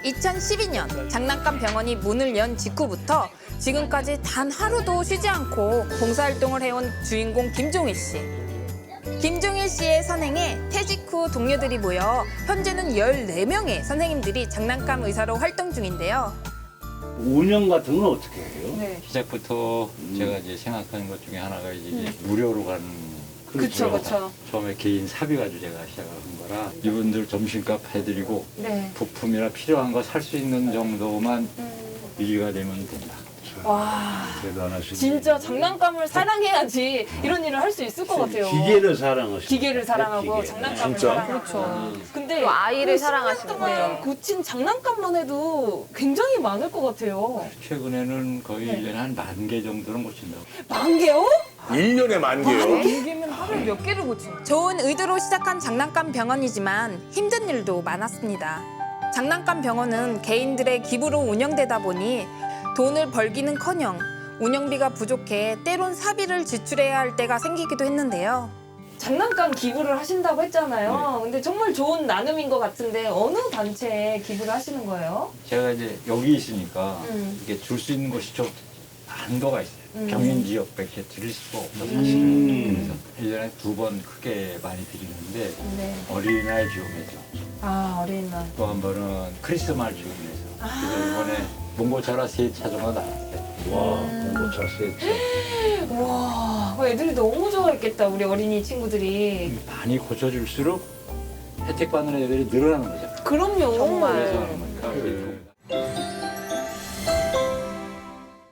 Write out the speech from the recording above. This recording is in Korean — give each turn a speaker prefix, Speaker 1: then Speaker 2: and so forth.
Speaker 1: 2012년 장난감 병원이 문을 연 직후부터 지금까지 단 하루도 쉬지 않고 봉사활동을 해온 주인공 김종일 씨. 김종일 씨의 선행에 퇴직 후 동료들이 모여 현재는 14명의 선생님들이 장난감 의사로 활동 중인데요.
Speaker 2: 운영 같은 건 어떻게 해요?
Speaker 3: 네.
Speaker 4: 시작부터 제가 이제 생각하는 것 중에 하나가 이제 무료로 가는
Speaker 3: 그쵸, 그쵸.
Speaker 4: 처음에 개인 사비 가지고 제가 시작한 거라 이분들 점심값 해드리고
Speaker 3: 네.
Speaker 4: 부품이나 필요한 거 살 수 있는 정도만 유지가 되면 된다.
Speaker 3: 와,
Speaker 2: 대단하시네.
Speaker 3: 진짜 장난감을 사랑해야지 이런 일을 할 수 있을 것 같아요.
Speaker 2: 기계를 사랑하시네.
Speaker 3: 기계를 사랑하고
Speaker 2: 기계.
Speaker 3: 장난감을
Speaker 5: 진짜?
Speaker 3: 사랑하고.
Speaker 1: 그렇죠.
Speaker 3: 근데
Speaker 6: 또 아이를
Speaker 3: 그
Speaker 6: 사랑하시는
Speaker 3: 10년 동안
Speaker 6: 거예요.
Speaker 3: 고친 장난감만 해도 굉장히 많을 것 같아요.
Speaker 4: 최근에는 거의
Speaker 3: 네.
Speaker 4: 1년에 한 10,000개 정도는 고친다고.
Speaker 3: 10,000개요?
Speaker 5: 1년에 10,000개요?
Speaker 3: 10,000개면 하루에 몇 개를 고치는
Speaker 1: 좋은 의도로 시작한 장난감 병원이지만 힘든 일도 많았습니다. 장난감 병원은 개인들의 기부로 운영되다 보니 돈을 벌기는커녕 운영비가 부족해 때론 사비를 지출해야 할 때가 생기기도 했는데요.
Speaker 3: 장난감 기부를 하신다고 했잖아요.
Speaker 4: 네.
Speaker 3: 근데 정말 좋은 나눔인 것 같은데 어느 단체에 기부를 하시는 거예요?
Speaker 4: 제가 이제 여기 있으니까
Speaker 3: 음.
Speaker 4: 이렇게 줄 수 있는 곳이 좀 한도가 있어요.
Speaker 3: 음.
Speaker 4: 경인 지역밖에 드릴 수가 없어 사실은. 그래서 1년에 2번 크게 많이 드리는데
Speaker 3: 네.
Speaker 4: 어린이날 지원회죠.
Speaker 3: 아, 어린이날.
Speaker 4: 또 한 번은 크리스마스 지원회죠. 그래서 이번에 몽고차라 3차 정도 나왔어요.
Speaker 2: 와, 공고차 세트.
Speaker 3: 와, 애들이 너무 좋아했겠다, 우리 어린이 친구들이.
Speaker 4: 많이 고쳐줄수록 혜택 받는 애들이 늘어나는 거죠.
Speaker 3: 그럼요.
Speaker 6: 정말.
Speaker 4: 그래서 하는 거니까